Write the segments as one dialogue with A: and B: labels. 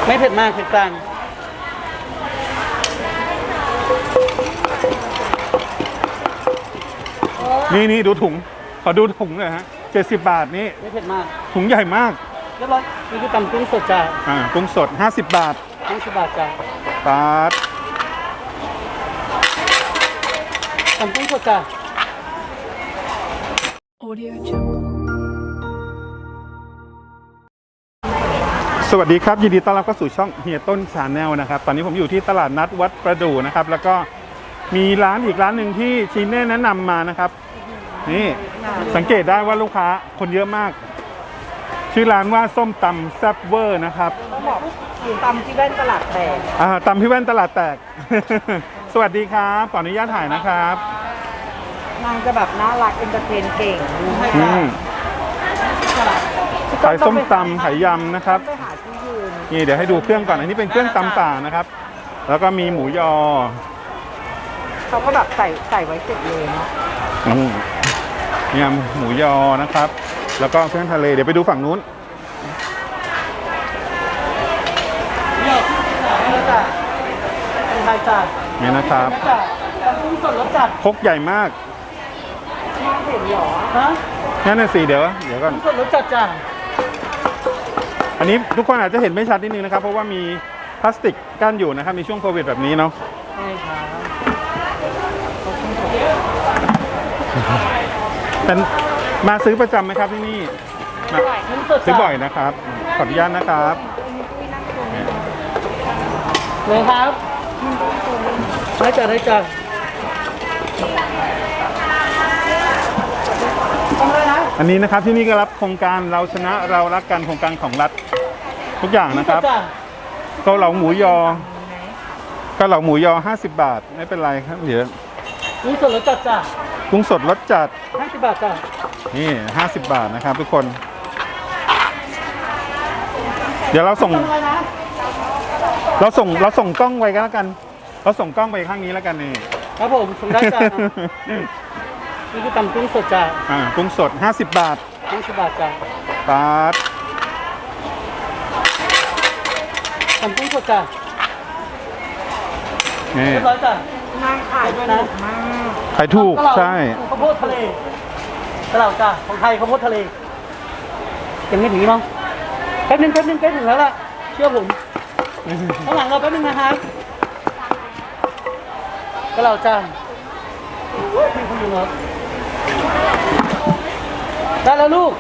A: ไม่เผ็ดมากเผ็ดกลาง
B: นี่ดูถุงขอดูถุงเลยฮะ70 บาทนี่
A: ไม่เผ็ดมาก
B: ถุงใหญ่มาก
A: เรียบร้อยนี่คือตำกุ้งสดจ้า
B: กุ้งสด50 บาท
A: 50 บาทจ้า
B: บาท
A: ตำกุ้งสดจ้า
B: สวัสดีครับยินดีต้อนรับเข้าสู่ช่องเฮียต้นชาแนลนะครับตอนนี้ผมอยู่ที่ตลาดนัดวัดประดู่นะครับแล้วก็มีร้านอีกร้านหนึ่งที่ชีเน่แนะนำมานะครับนี่สังเกตได้ว่าลูกค้าคนเยอะมากชื่อร้านว่าส้มตำแซ่บเวอร์นะครับ
C: ต้องบอกตำที่แว่นตลาดแตก
B: ตำที่แว่นตลาดแตก สวัสดีครับขออนุญาตถ่ายนะครับ
C: นางจะแบบน่ารักเอนเตอร์เทนเก่ง
B: ขายส้มตำขายยำนะครับนี่เดี๋ยวให้ดูเครื่องก่อนอันนี้เป็นเครื่องตำป่านะครับแล้วก็มีหมูยอ
C: เขาก็แบบใส่ไว้เสร็จเลยเนาะ
B: ยำหมูยอนะครับแล้วก็เครื่องทะเลเดี๋ยวไปดูฝั่งนู้นนี่นะครับครกใหญ่มาก
C: เห็นหรอ
A: ฮะ
B: นั่นน่ะสิเดี๋ยวก่อน
A: สดรสจัดจ้า
B: อันนี้ทุกคนอาจจะเห็นไม่ชัดนิดนึงนะครับเพราะว่ามีพลาสติกกั้นอยู่นะครับในช่วงโควิดแบบนี้เนาะ
A: ใช่ครับ
B: เป็นมาซื้อประจำไหมครับที่นี่ซื้อบ่อยนะครับขออนุญาตนะครับ
A: เลยครับได้จ้ะได้จ้ะ
B: อันนี้นะครับที่นี่ก็รับโครงการเราชนะเรารักกันโครงการของรัฐทุกอย่างนะครับเกาเหลาหมูยอ50 บาทไม่เป็นไรครับเดี๋ยว
A: กุ้งสดรสจัดจ้ะ
B: กุ้งสดรสจัด
A: 50 บาทจ้ะ
B: นี่50 บาทนะครับทุกคนเดี๋ยวเราส่งกล้องไว้กันแล้วกันเราส่งกล้องไปข้างนี้แล้วกันนี่
A: ครับผมส่งได้จ้ะนี่คือตำกุ้งสดจ้ะ
B: กุ้งสด50 บาท
A: 50 บาทจ้ะ
B: บาท
A: ตำกุ้งสดจ้ะ
B: นี่
A: เรียบร้อยจ้ะ
C: นางขายด้วยนะ
B: ขายถูกใช่
A: ข้าวโพดทะเลกระเหล่าจ้ะของไทยข้าวโพดทะเลยังไม่ถึงมั้งแป๊บนึงใกล้ถึงแล้วล่ะเชื่อผมข้างหลังเราแป๊บนึงนะครับกระเหล่าจ้ะพี่คุณอยู่เหรอได้แล้วลูก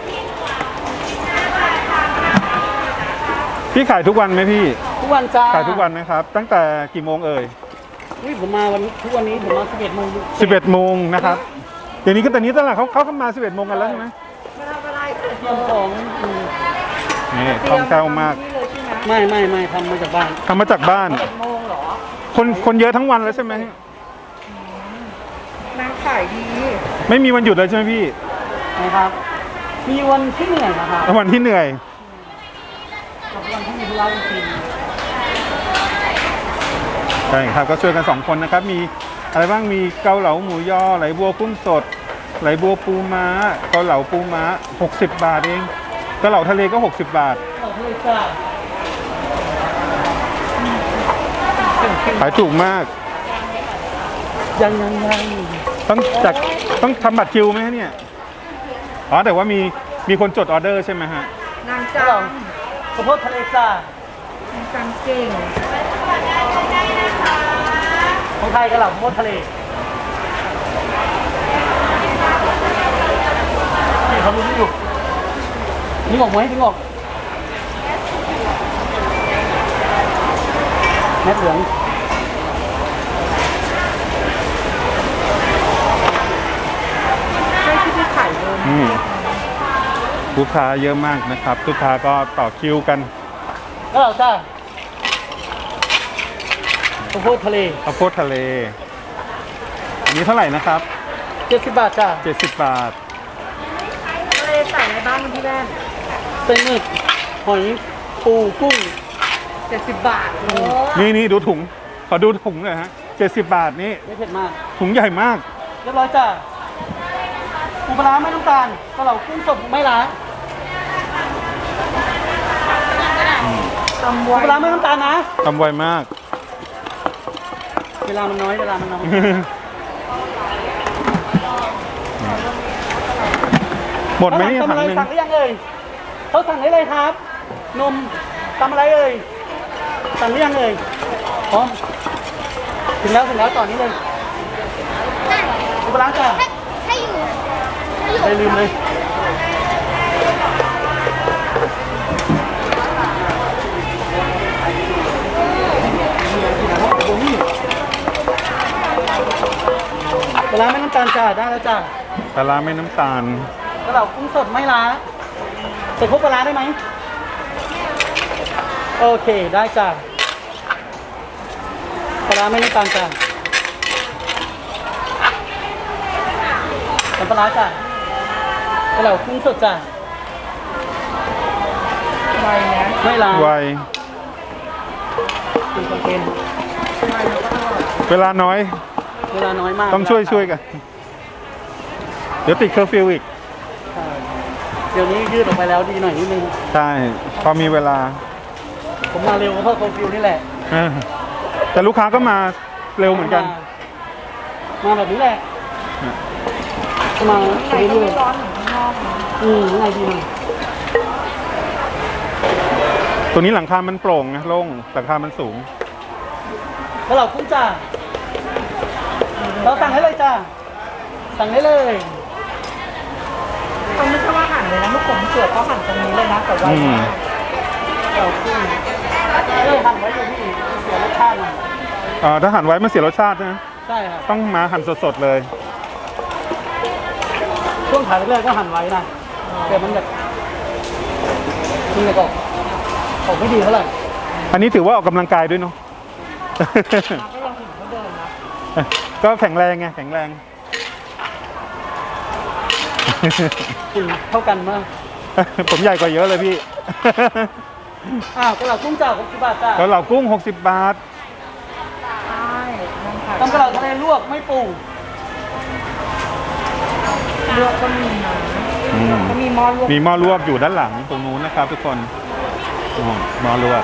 B: พี่ขายทุกวันไหมพี่
A: ทุกวันจ้า
B: ขายทุกวันนะครับตั้งแต่กี่โมงเอ่ย
A: ผมมาทุกวันนี้ผมมา11 โมง
B: 11 โมงนะครับเดี๋ยวนี้ก็ตอนนี้ตลาดเขาเข้ามา11 โมงกันแล้วใช่ไหม
C: ไม่ทำอะไร
A: เตรียมของ
B: นี่คล่องแคล่วมาก
A: ไม่ทำมาจากบ้าน
C: 11 โมงเหรอ
B: คนเยอะทั้งวันแล้วใช่ไหม
C: นางขายดี
B: ไม่มีวันหยุดเลยใช่ไหมพี่
A: นะครับมีวันที่เหนื่อยนะครับ
B: วันที่เหนื่อย
A: วันที่มีธุระจริง
B: ใช่ครับก็ช่วยกัน2 คนนะครับมีอะไรบ้างมีเกาเหลาหมูยอไหลบัวกุ้งสดไหลบัวปูม้าเกาเหลาปูม้า60 บาทเองเกาเหลาทะเลก็60 บาทขายถูกมาก
A: ยัง
B: ต้องทำบัตรคิวไหมเนี่ยแต่ว่ามีคนจดออเดอร์ใช่ไหมฮะ
C: นางจัง
A: ข้าวโพดทะเลจ้
C: านางจังเก่ง
A: ของไทยกระเหล่าข้าวโพดทะเลนี่เขาดูนี่อยู่นี่ออกไหมนี่ออกแม็ดเหลือง
B: ลูกค้าเยอะมากนะครับลูกค้าก็ต่อคิวกัน
A: แล้วเราจ้าข้าวโพดทะเล
B: อันนี้เท่าไหร่นะครับ
A: 70 บาทจ้า
B: 70 บาท
C: ทะเลใส่ในบ้านพี่แม่
A: เส้นหมึกหอยปูกุ้ง
C: 70 บาท
B: นี่ดูถุงขอดูถุงหน่อยฮะ70 บาทนี่
A: ไม่เผ็ดมาก
B: ถุงใหญ่มาก
A: เรียบร้อยจ้าปูปลาไม่ต้องการกระเหล่ากุ้งสดไม่ล้าง
C: ตำ
A: ปู
C: ไว้
A: ปลาร้าไม่น้ำตาลนะ
B: ทำไวมาก
A: เวลามันน้อยเวลามันน้อย
B: หมดไหมนี่
A: ทำ
B: ถั
A: อะ
B: ง
A: ไร
B: หนึ่ง
A: สั่งหรือยังเอ่ยเขาสั่งได้เลยครับนมทำอะไรเอ่ยสั่งหรือยังเอ่ยพร้อมถึงแล้วต่อนี้เลยปูปลาร้าจ้ะ
D: ถ้าอยู่
A: ไม่ลืมเลยปลาร้าไม่น้ำตาลจ้ะได้แล้วจ้ะ
B: ปลาร้าไม่น้ำตาล
A: กระเหล่ากุ้งสดไม่ล้าใส่ครบปลาร้าได้ไหมโอเคได้จ้ะปลาร้าไม่น้ำตาลจ้ะน้ำปลาร้าจ้ะกระเหล่ากุ้งสดจ้ะ
C: ไว้นะ
A: ไม่ล้า
B: ไว
A: เป็นคอนเทนต์
B: เวลาน้อย
A: เวลาน้อยมาก
B: ต้องช่วยกัน เดี๋ยวติดเคอร์ฟิวอีก
A: ใช่เดี๋ยวนี้ยืดออกไปแล้วดีหน่อยนิดนึง
B: ใช่ พอมีเวลา
A: ผมมาเร็วก็เพราะโคฟิวนี่แหละ
B: เออแต่ลูกค้าก็มาเร็วเหมือนกัน
A: มาแบบนี้แหละมา
C: ข้างในก็
A: เรื่อ
C: ไม่
A: ย
C: ร้อนเหมือนข้างนอกนะ
A: ๆข้างในดีหน่อย
B: ตัวนี้หลังคามันโปร่งนะโล่งหลังคามันสูง
A: แล้วเรากุ้งจ้าเราสั่งให้เลยจ้าสั่งได้เลย
C: มันไม่ใช่ว่าหั่นเลยนะลูกผมเสือกก็หั่นตรงนี้เลยนะแต่ไว้
B: อืม
C: มาก
A: เรากุ้งหั่นไว้อยู่ที่เสียรสชาติหน่อย
B: ถ้าหั่นไว้มันเสียรสชาตินะ
A: ใช่ครับ
B: ต้องมาหั่นสดๆเลย
A: ช่วงถ่ายแรกๆก็หั่นไว้นะแต่มันแบบออกไม่ดีเท่าไหร่
B: อันนี้ถือว่าออกกำลังกายด้วยเนาะ
C: ก็ยังเห็นเขาเดินนะ
B: ก็แข็งแรงไงแข็งแรง
A: กินเท่ากันมาก
B: ผมใหญ่กว่าเยอะเลยพี่
A: อ้าวกระเหล่ากุ้งจ้า60 บาทจ้า
B: แล้วเหล่ากุ้ง60 บาท
C: ใช่นั่งขาย
A: ต้องกระเหล่าทะเลลวกไม่ปรุง
C: เลือกก็มีนะ
B: อืม
C: ก็มีหม้อลวก
B: มีหม้อลวกอยู่ด้านหลังตรงนู้นนะครับทุกคนอ๋อหม้อลวก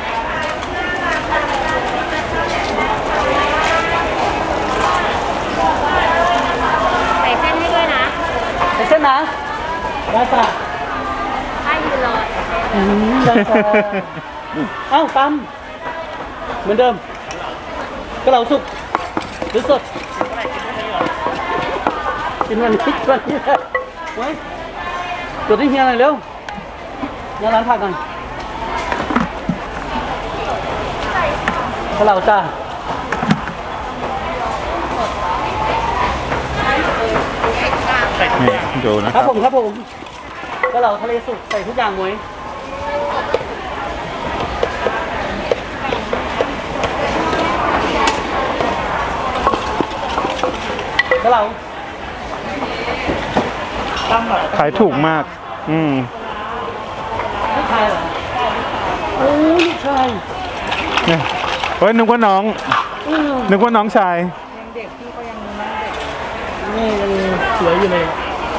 D: ใส่เส้นให้ด้วยนะ
A: ไอ้เส้นนะได้จ้า
D: ถ้ายืนรอ
A: ได้จ้าเอ้าตำเหมือนเดิมกระเหล่าสุกหรือสดกินวันนี้เลยไว้จดให้เฮียหน่อยเร็วเฮียร้านผักหน่อยกระเหล่าจ้า
B: นี่ดูนะ
A: ค
B: ค
A: รั
B: รั
A: บบ ผมกระเหล่าทะเลสุกใส่ทุกอย่างไว้กระเหล่า
B: ขายถูกมาก อืม
A: ลูกชายเหรอโอ้ลูกชาย
B: เนี่ยเฮ้ยนึกว่าน้อง
A: อืม
B: นึกว่าน้องชาย
C: ยังเด็กพี่ก็ยังนั่งเด็ก
A: นี่ยังสวยอยู่เลย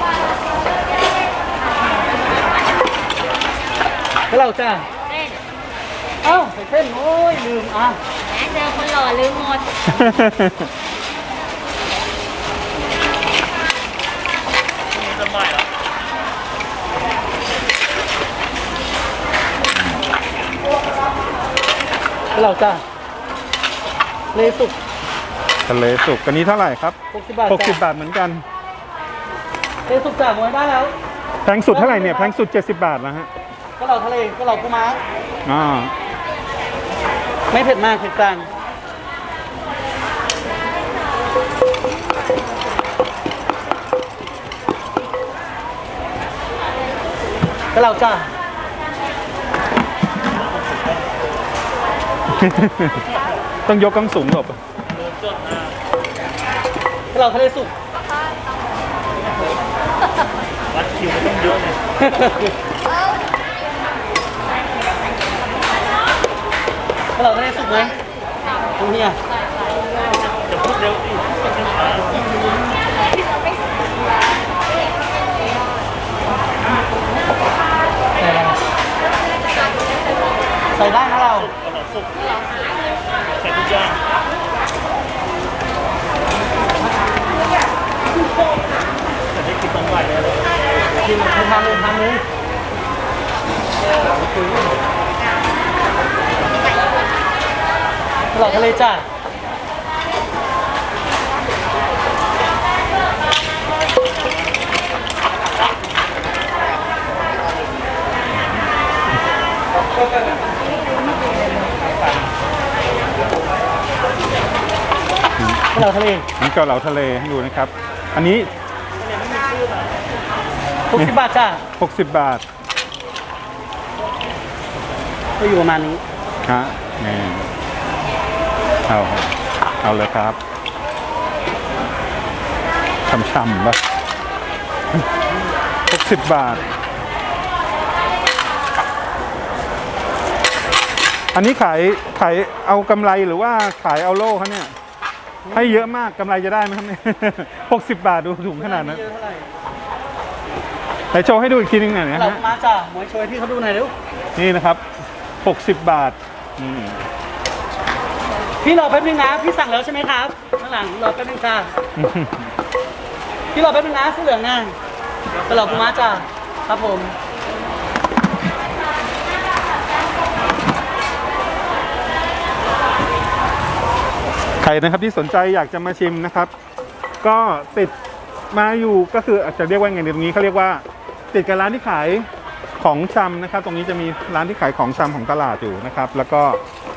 A: กระเหล่าจ้า
D: เส้น
A: เอ้าใส่เส้นโอ้ยลืมอ่ะ
D: แหมเจอคนหล่อลืมหมด
A: กระเหล่าจ้าเลสุก
B: ทะเลสุกอันนี้เท่าไหร่ครับ
A: 60 บาท
B: 60
A: จ้า
B: บาทเหมือนกัน
A: เลสุกจ้ามวยได้แล้ว
B: แพงสุดเท่าไหร่เนี่ยแพงสุด70 บาทแล้วฮะ
A: กระเหล่าทะเลกระเหล่าปูม้า
B: อ่า
A: ไม่เผ็ดมากเผ็ดกลางกระเหล่าจ้า
B: ต้องยกกำสูงหลบ
A: กระเหล่าทะเลสุกวัดคิวไม่ต้องเยอะเลยกระเหล่าทะเลสุกไหมตรงนี้อ่ะจะพูดเร็วดิใส่ได้นะเรา
B: ใส่ทุกอย่างแต่ได้กินต้องไหวเลย
A: กินทำเลยตลอดทะเลจ้าตลอดทะเล
B: นี่เกาเหลาทะเลให้ดูนะครับ อันนี้
A: 60 บาทจ้า
B: 60 บาท
A: ก็อยู่ประมาณนี้
B: ฮะนี่เอาเลยครับช่ำๆป่ะ60 บาท อันนี้ขายเอากำไรหรือว่าขายเอาโล่เขาเนี่ย ให้เยอะมากกำไรจะได้ไหมครับเนี่ย 60 บาทดูถุงขนาดนั้น
A: เยอะเท่าไหร่
B: ไหนโชว์ให้ดูอีกทีนึงหน่อยนะ
A: เรา
B: ฮะ
A: มาจ้าหมวยช่วยที่เขาดูหน่อยเร็ว
B: นี่นะครับ60 บาทอืม
A: พี่รอแป๊บนึงนะพี่สั่งแล้วใช่ไหมครับข้างหลังรอแป๊บนึงจ้าพี่รอแป๊บนึงนะเสื้อเหลืองนะตลอดปูม้าจ้าครับผม
B: ใครนะครับที่สนใจอยากจะมาชิมนะครับ ก็ติดมาอยู่ก็คืออาจจะเรียกว่าไงตรงนี้เขาเรียกว่าติดกับร้านที่ขายของชำนะครับ ตรงนี้จะมีร้านที่ขายของชำของตลาดอยู่นะครับ แล้วก็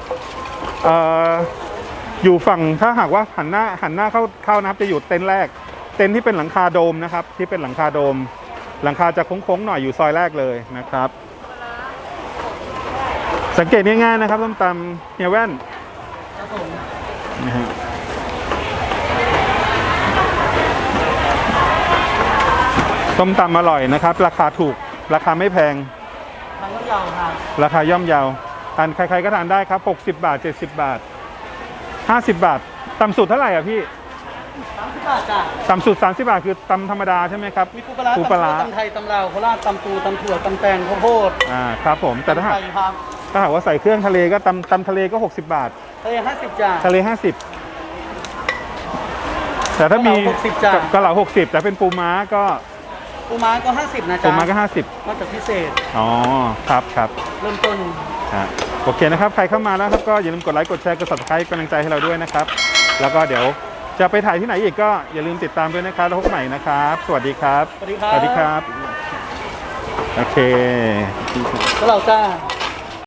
B: อยู่ฝั่งถ้าหากว่าหันหน้าเข้านะครับจะอยู่เต็นท์แรกเต็นท์ที่เป็นหลังคาโดมนะครับ ที่เป็นหลังคาโดม หลังคาจะโค้งๆหน่อยอยู่ซอยแรกเลยนะครับ สังเกตง่ายๆนะครับส้มตำเฮียแว่น
A: ครับผม
B: นะฮะส้มตำอร่อยนะครับ ราคาถูกราคาไม่แพง
A: ทางรถยาวค่ะ
B: ราคาย่อมเยาทานใครๆก็ทานได้ครับ60 บาท70 บาท50 บาทต่ำสุดเท่าไหร่อ่ะพี่
A: 30 บาทจ้า
B: ต่ำสุด30 บาทคือตำธรรมดาใช่ไหมครับ
A: มีปูปลาร้า
B: ปูปลาร้า
A: ตำไทยตำลาวโคราชตำปูตำถั่วตำแตงข้าวโพด
B: ครับผมแต่ถ้า
A: ตำ
B: หาก
A: ไทยครับ
B: หากว่าใส่เครื่องทะเลก็ตำทะเลก็60 บาท
A: ทะเล50จ้า
B: ทะเล50แต่ถ้ามี
A: 60จ้ะ
B: กะเหลา60แต่เป็นปูม้าก็
A: ปูม้าก็50นะ
B: ปู
A: จ้า
B: ม้าก็
A: นอกจากพิเศษ
B: 50อ๋อครับ
A: เริ่มต้น
B: โอเคนะครับ ใครเข้ามาแล้วครับก็อย่าลืมกดไลค์กดแชร์กด subscribe กำลังใจให้เราด้วยนะครับ แล้วก็เดี๋ยวจะไปถ่ายที่ไหนอีกก็อย่าลืมติดตามด้วยนะครับแล้วพบกันใหม่นะครับ สวัสดีครับ
A: สวัสดีครับ
B: สวัสดีครับ โอเค
A: ก็เราจ้า